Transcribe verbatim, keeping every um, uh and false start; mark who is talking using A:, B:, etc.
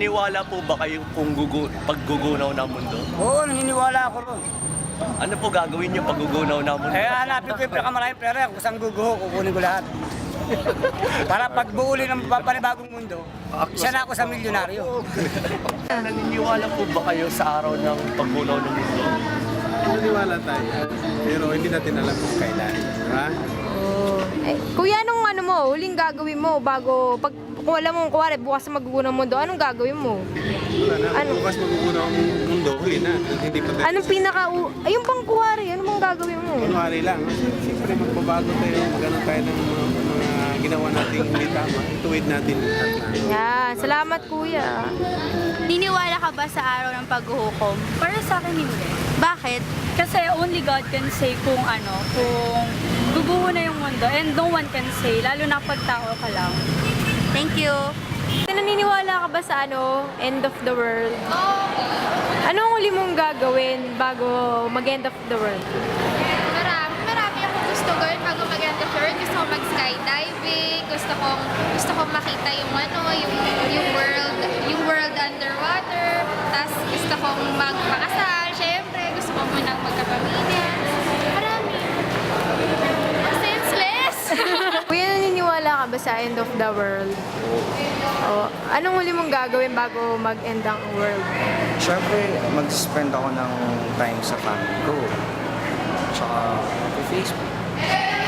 A: naniniwala po ba kayo kung gugu paggugunaw ng mundo?
B: Oo, naniniwala ako ron.
A: Ano po gagawin niyo paggugunaw ng mundo?
B: Eh, hanapin ko yung pinakamaraming pera. Kung saan guguho, kukunin ko lahat. Para pag buuli ng panibagong mundo, isa na ako sa milyonaryo.
A: Naniniwala po ba kayo sa araw ng paggunaw ng mundo?
C: Naniniwala tayo, pero hindi natin alam kung kailan. Ha?
D: Oh. Eh, kuya, anong ano mo, huling gagawin mo bago, pag kung alam mo, kuwari, bukas na magugunaw ang mundo, anong gagawin mo?
C: Wala na.
D: Ano?
C: Bukas magugunaw ang mundo, huli na. Hindi pa tayo.
D: Anong pinaka, ayun pang kuwari, ano mong gagawin mo?
C: Kunwari lang. Siyempre magbabago tayo, magano tayo ng mga, mga ginawa nating hindi tama. Ituwid natin lahat na.
D: Yan, salamat kuya.
E: Niniwala ka ba sa araw ng paghuhukom?
F: Para sa akin hindi.
E: Bakit?
F: Kasi only God can say kung ano, kung guguho na yung mundo and no one can say, lalo na pag tao ka lang.
E: Thank you.
D: Naniniwala ka ba sa ano, end of the world? Anong huli mong gagawin bago mag-end of the world?
G: Marami, marami akong gusto gawin bago mag-end of the world. Gusto ko mag-skydiving, gusto kong, gusto kong makita yung ano, yung, yung world, yung world underwater. Tapos gusto kong magpakasal, syempre. Gusto ko munang magkapamilya. Marami. Senseless!
D: Kuya, naniniwala ka ba sa end of the world? O, anong huli mong gagawin bago mag-end ang world?
H: Siyempre, mag-spend ako ng time sa family ko. Tsaka, Facebook.